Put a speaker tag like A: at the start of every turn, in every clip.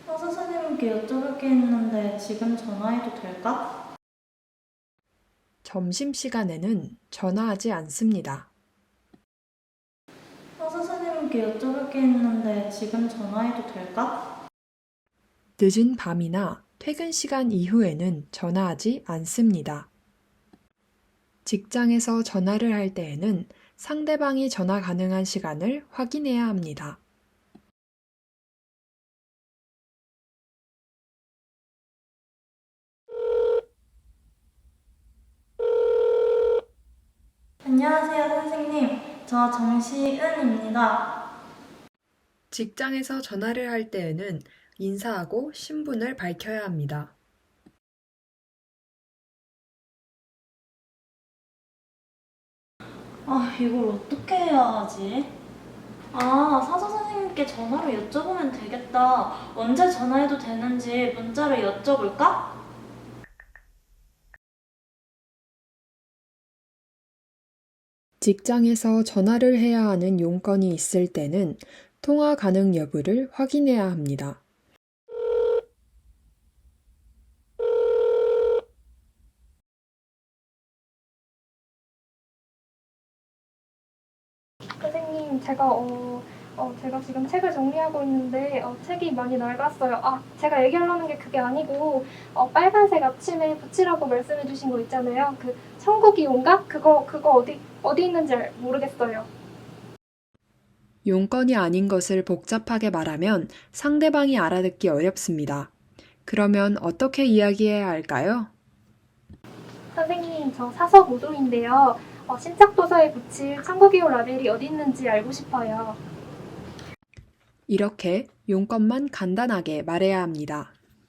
A: 선생님께 여쭤볼 게 있는데 지금 전화해도 될까?
B: 점심시간에는 전화하지 않습니다.
A: 선생님께 여쭤볼 게 있는데 지금 전화해도 될까?
B: 늦은 밤이나 퇴근 시간 이후에는 전화하지 않습니다. 직장에서 전화를 할 때에는 상대방이 전화 가능한 시간을 확인해야 합니다.
A: 안녕하세요, 선생님. 저 정시은입니다.
B: 직장에서 전화를 할 때에는 인사하고 신분을 밝혀야 합니다.
A: 이걸 어떻게 해야 하지? 사서 선생님께 전화로 여쭤보면 되겠다. 언제 전화해도 되는지 문자로 여쭤볼까?
B: 직장에서 전화를 해야 하는 용건이 있을 때는 통화 가능 여부를 확인해야 합니다.
C: 선생님, 제가 지금 책을 정리하고 있는데, 책이 많이 낡았어요. 제가 얘기하려는 게 그게 아니고, 빨간색 앞치마에 붙이라고 말씀해 주신 거 있잖아요. 그, 천국이온가? 그거 어디 있는지 모르겠어요.
B: 용건이 아닌 것을 복잡하게 말하면 상대방이 알아듣기 어렵습니다. 그러면 어떻게 이야기해야 할까요?
C: 선생님, 저 사서 모도인데요. 신작 도서에 붙일 천국이온 라벨이 어디 있는지 알고 싶어요.
B: 이렇게 용건만 간단하게 말해야 합니다.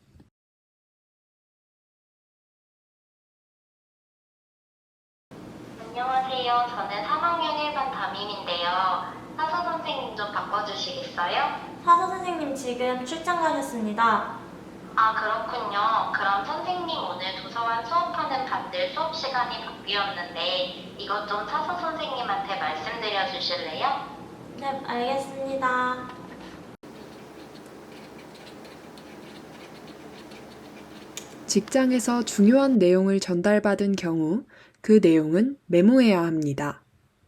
D: 안녕하세요. 저는 3학년 1반 담임인데요. 사서 선생님 좀 바꿔주시겠어요?
A: 사서 선생님 지금 출장 가셨습니다.
D: 아, 그렇군요. 그럼 선생님 오늘 도서관 수업하는 반들 수업 시간이 바뀌었는데 이것 좀 사서 선생님한테 말씀드려 주실래요?
A: 네, 알겠습니다.
B: 직장에서 중요한 내용을 전달받은 경우 그 내용은 메모해야 합니다.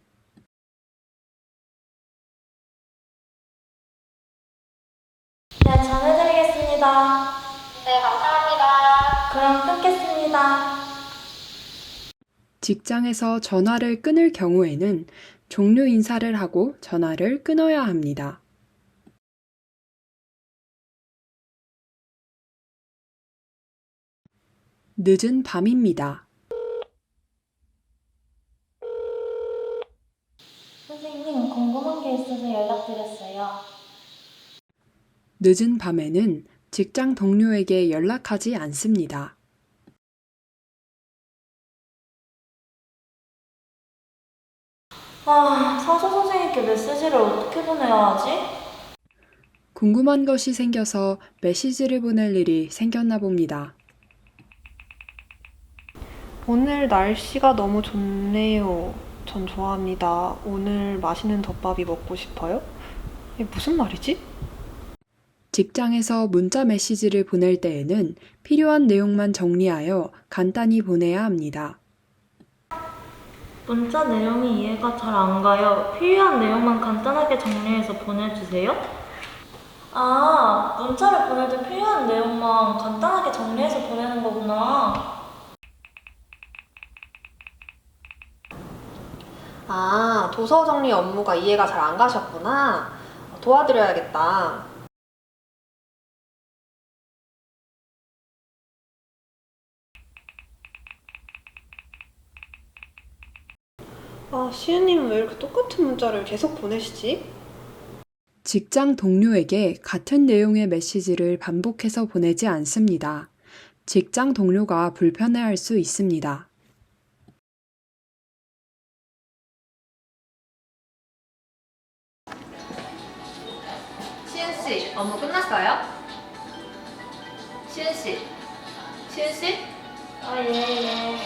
A: 네, 전해드리겠습니다.
D: 네, 감사합니다.
A: 그럼 끊겠습니다.
B: 직장에서 전화를 끊을 경우에는 종료 인사를 하고 전화를 끊어야 합니다. 늦은 밤입니다.
A: 선생님, 궁금한 게 있어서 연락드렸어요.
B: 늦은 밤에는 직장 동료에게 연락하지 않습니다.
A: 사서 선생님께 메시지를 어떻게 보내야 하지?
B: 궁금한 것이 생겨서 메시지를 보낼 일이 생겼나 봅니다.
E: 오늘 날씨가 너무 좋네요. 전 좋아합니다. 오늘 맛있는 덮밥이 먹고 싶어요? 이게 무슨 말이지?
B: 직장에서 문자 메시지를 보낼 때에는 필요한 내용만 정리하여 간단히 보내야 합니다.
A: 문자 내용이 이해가 잘 안 가요. 필요한 내용만 간단하게 정리해서 보내주세요. 문자를 보낼 때 필요한 내용만 간단하게 정리해서 보내는 거구나.
E: 도서 정리 업무가 이해가 잘 안 가셨구나. 도와드려야겠다. 시은님은 왜 이렇게 똑같은 문자를 계속 보내시지?
B: 직장 동료에게 같은 내용의 메시지를 반복해서 보내지 않습니다. 직장 동료가 불편해할 수 있습니다.
F: 시은씨, 업무 끝났어요? 시은씨, 시은씨?
A: 예.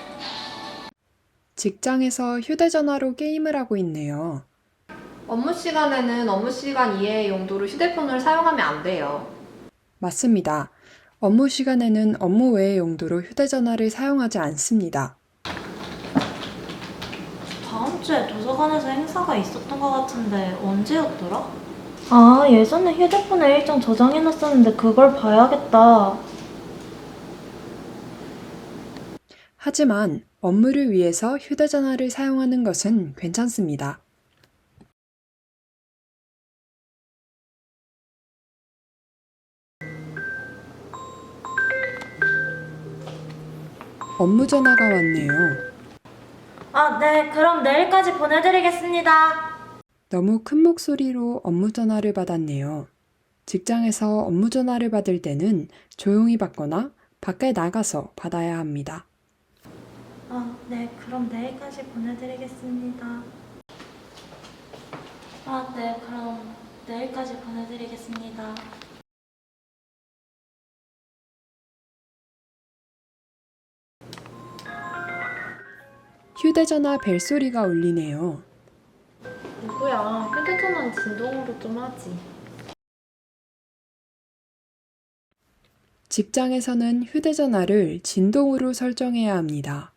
B: 직장에서 휴대전화로 게임을 하고 있네요.
F: 업무 시간에는 업무 시간 이외의 용도로 휴대폰을 사용하면 안 돼요.
B: 맞습니다. 업무 시간에는 업무 외의 용도로 휴대전화를 사용하지 않습니다.
A: 다음 주에 도서관에서 행사가 있었던 것 같은데 언제였더라? 아, 예전에 휴대폰에 일정 저장해놨었는데 그걸 봐야겠다.
B: 하지만 업무를 위해서 휴대전화를 사용하는 것은 괜찮습니다. 업무 전화가 왔네요.
A: 아, 네, 그럼 내일까지 보내드리겠습니다.
B: 너무 큰 목소리로 업무 전화를 받았네요. 직장에서 업무 전화를 받을 때는 조용히 받거나 밖에 나가서 받아야 합니다.
A: 아, 네, 그럼 내일까지 보내드리겠습니다. 아, 네, 그럼 내일까지 보내드리겠습니다.
B: 휴대전화 벨소리가 울리네요.
F: 누구야? 휴대전화는 진동으로 좀 하지.
B: 직장에서는 휴대전화를 진동으로 설정해야 합니다.